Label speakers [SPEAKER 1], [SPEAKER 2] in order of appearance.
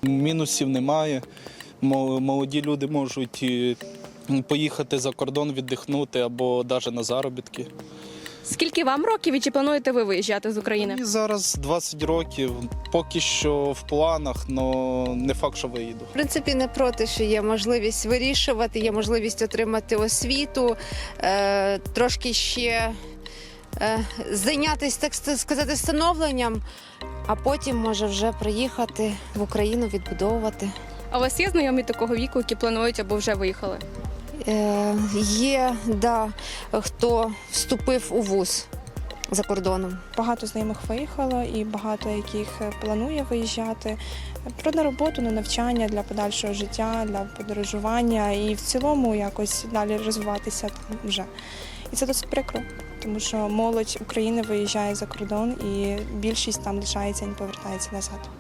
[SPEAKER 1] мінусів немає. Молоді люди можуть поїхати за кордон, віддихнути або навіть на заробітки.
[SPEAKER 2] Скільки вам років і чи плануєте ви виїжджати з України?
[SPEAKER 1] Мені зараз 20 років, поки що в планах, але не факт, що виїду.
[SPEAKER 3] В принципі, не проти, що є можливість вирішувати, є можливість отримати освіту, трошки ще зайнятися, так сказати, становленням, а потім може вже приїхати в Україну, відбудовувати.
[SPEAKER 2] А у вас є знайомі такого віку, які планують або вже виїхали?
[SPEAKER 3] Є, да, хто вступив у вуз за кордоном.
[SPEAKER 4] Багато знайомих виїхало і багато яких планує виїжджати на роботу, на навчання, для подальшого життя, для подорожування і в цілому якось далі розвиватися там вже. І це досить прикро, тому що молодь України виїжджає за кордон і більшість там лишається і не повертається назад.